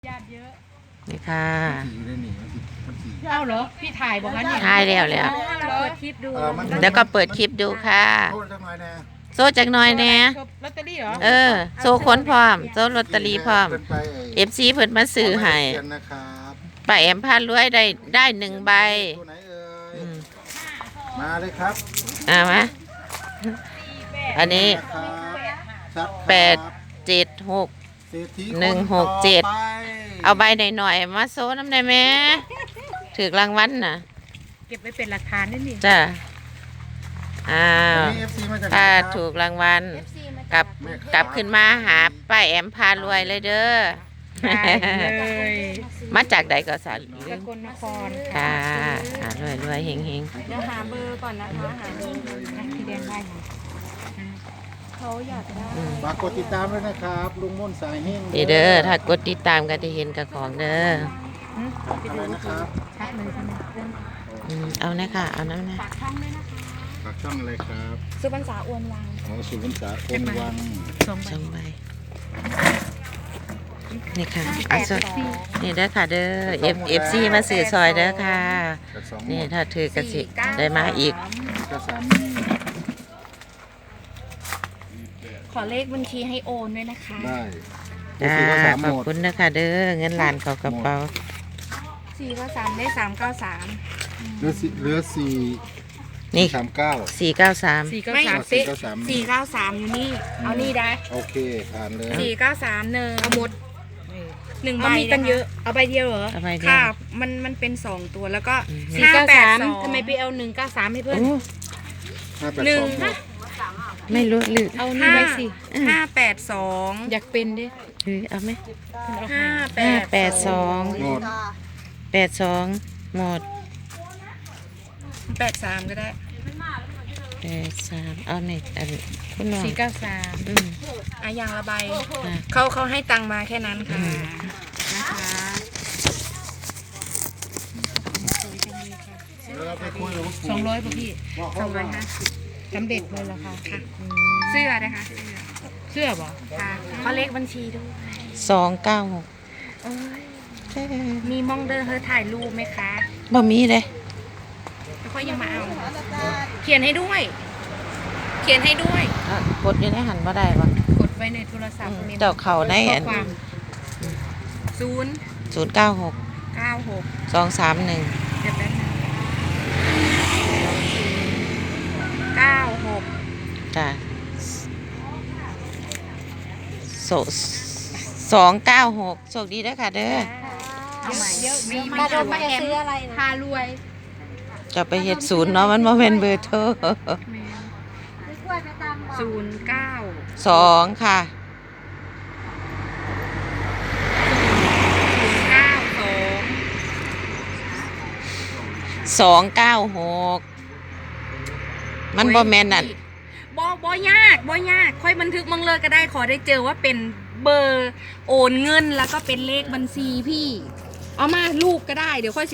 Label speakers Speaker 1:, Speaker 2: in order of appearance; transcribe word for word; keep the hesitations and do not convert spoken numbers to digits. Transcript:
Speaker 1: ญาติเยอะ
Speaker 2: นี่ค่ะ
Speaker 1: เอ้าเหรอพี่ถ่ายบอกว่านี่
Speaker 2: ถ่ายแล้วแล้ว
Speaker 1: เราเปิดคลิปดู
Speaker 2: แล้วก็เปิดคลิปดูค่ะโซ่จักหน่อยแน่
Speaker 1: ลอตเตอรี่เหรอ
Speaker 2: เออโซ่ค้นพร้อมโซ่ลอตเตอรี่พร้อมเอฟซีเพิ่นมาซื้อให้ป้าแอมพารวยได้ได้หนึ่งใบ
Speaker 3: ตัวไหนเอ่ย
Speaker 2: อืม
Speaker 3: มาเลยครับ
Speaker 2: อ่ามะอันนี้
Speaker 3: ครับ
Speaker 2: แปดเจ็ดหก
Speaker 3: เศรษฐี
Speaker 2: หนึ่งหกเจ็ด เอาใบหน่อยๆมาโซ่น้ำได้ไหมถือรางวัลน่ะ
Speaker 1: เก็บไว้เป็นหลักฐานนี่นี่
Speaker 2: จ้ะอ้าว
Speaker 3: มี เอฟ ซี มาจากไหน
Speaker 2: ถ้า
Speaker 3: ครับ
Speaker 2: ถูกรางวัลกลับกลับขึ้นมาหาป้าแอมพารวยเลยเด้อ
Speaker 1: ได้เลย
Speaker 2: มาจากใดก็สาร
Speaker 1: ส
Speaker 2: ลืม
Speaker 1: กลนคร
Speaker 2: ค่ะหารวยรวยเฮงเฮง
Speaker 4: เดี๋ยวหาเบอร์ก่อนนะคะหาเบอร์
Speaker 1: ที่เรียนได้ค่ะ
Speaker 4: เขาอยากได้
Speaker 3: ฝากกดติดตามด้วยนะครับลุงม่นสายเฮง
Speaker 2: นี่เด้อถ้ากดติดตามก็จะเห็นกับของเด้อ
Speaker 3: อะไรนะครับ
Speaker 1: ชัดเลยใช่ไหม
Speaker 2: อืมเอานะค่ะเอาน้ำนะ
Speaker 4: ฝากช่องด้วยนะคะ
Speaker 3: ฝากช่องอะไรครับ
Speaker 4: สุพรรณษาอวนวัง
Speaker 3: ของสุพรรณษาคนวัง
Speaker 1: สองใบ
Speaker 2: สองใบนี่ค่ะเอาสดนี่เด้อค่ะเด้อ F F C มาสื่อซอยเด้อค่ะ
Speaker 3: กับสอง
Speaker 2: นี่ถ้าถือกระสิได้มาอีก
Speaker 3: ก็สาม
Speaker 4: ขอเลขบัญชีให้โอนด้วยนะคะ
Speaker 3: ได้
Speaker 2: จ้า
Speaker 3: ก็สาม
Speaker 2: ขอบ
Speaker 3: หมด
Speaker 2: คุณนะคะเด้อเงินล้านเข้ากระเป๋า
Speaker 4: สี่ก็สามได้สามเก้าสาม
Speaker 3: เหลือสี่เหลือสี่
Speaker 2: นี่
Speaker 3: สามเก้า
Speaker 2: สี่เก้าสาม
Speaker 1: สี่เก้า
Speaker 4: ไม่
Speaker 1: สาม
Speaker 3: สี่
Speaker 4: เป๊ะ
Speaker 3: เก้าสาม
Speaker 4: สี่เก้าสามอยู่นี่ เอานี่ได้
Speaker 3: โอเคผ่านเลย
Speaker 4: สี่เก้าสามหนึ่งเอาหมดหนึ่งใบ
Speaker 1: เอามีกันเยอะ
Speaker 4: นะคะเอาใบเดียวเหรอ
Speaker 2: เอาใบเดียว
Speaker 4: ค่ะ มันมันเป็นสองตัวแล้วก็
Speaker 2: อืม
Speaker 1: สี่
Speaker 4: ห้า
Speaker 1: เก้า
Speaker 4: แปด
Speaker 1: สาม
Speaker 4: สอง
Speaker 1: ทำไมไปเอาหนึ่งเก้าสามให้เพื่อน
Speaker 2: โอ้
Speaker 3: ห้าแปด
Speaker 4: หนึ่
Speaker 3: ส
Speaker 4: ง
Speaker 3: องหมด
Speaker 2: ไม่รู้หรือ
Speaker 1: เอานี่ไว้สิ
Speaker 4: ห้าแปดสอง
Speaker 1: อยากเป็นดิ
Speaker 2: หรือเอาไหม
Speaker 4: ห้าแป
Speaker 2: ห้า
Speaker 4: ด
Speaker 2: แปดสอง
Speaker 3: หมด
Speaker 2: แปดสองหมด
Speaker 4: แปดสามก็ได้
Speaker 2: แปดสามเอาในอันคุณน้อง
Speaker 1: สี่เก้าสาม
Speaker 2: อืม
Speaker 4: อ่ะอย่างละใบ
Speaker 2: ค่ะ
Speaker 4: เขาเขาให้ตังค์มาแค่นั้นค่ะ
Speaker 2: อืม
Speaker 4: นะคะ
Speaker 3: แล้วเราไปคุยกับผู้
Speaker 1: สองร้อยป่ะพี่
Speaker 4: สองร้อยห้าสิบ
Speaker 1: สำเร็จเลยเหรอคะ
Speaker 4: ค่ะ
Speaker 1: อืม
Speaker 4: เสื้อนะคะเสื้อ
Speaker 1: เสื้อบ่
Speaker 4: ค่ะเขาเลขบัญชีด้วย
Speaker 2: สองเก้าหก
Speaker 4: โอ้ยมีมองเดินเธอถ่ายรูปไหมคะ
Speaker 2: บ่มีเลย
Speaker 4: แล้วค่อยยังมาเอา เขียนให้ด้วย เขียนให้ด้วย
Speaker 2: อ่ะกดอยู่ในหันบ่ได้บ่
Speaker 1: กดไว้ในโทรศัพท์
Speaker 2: อืม
Speaker 1: มี
Speaker 2: เจ้าเขาในอัน
Speaker 1: ข้อความ
Speaker 4: ศูนย์
Speaker 2: ศูนย์เก้าหก
Speaker 4: เก้าหก
Speaker 2: สองสามหนึ่ง
Speaker 4: เดี๋ยวแป๊บนึงเก้าหก
Speaker 2: จ้ะโสสองเก้าหกโชคดีเด้อค่ะเด้อ
Speaker 4: เอาใหม่เดี๋ยวมี
Speaker 1: มา
Speaker 4: มา
Speaker 1: โด
Speaker 4: โด
Speaker 1: น
Speaker 4: น
Speaker 1: มา
Speaker 4: มา
Speaker 1: แอ
Speaker 4: แอ
Speaker 1: ม
Speaker 4: มอะไรพารวย
Speaker 2: จะไปเฮ็ดศูนย์เนาะมันบ่เป็นเบอร์โทร
Speaker 4: ศูนย์เก้า
Speaker 2: สองค่ะ
Speaker 4: ศูนย์เก้าสอง
Speaker 2: สองเก้าหกมันบ่แม่นนั่น
Speaker 4: บ่บ่ยากบ่ยาก ค่อยบันทึกมังเลยก็ได้ขอได้เจอว่าเป็นเบอร์โอนเงินแล้วก็เป็นเลขบัญชีพี่ เอามารูปก็ได้เดี๋ยวค่อย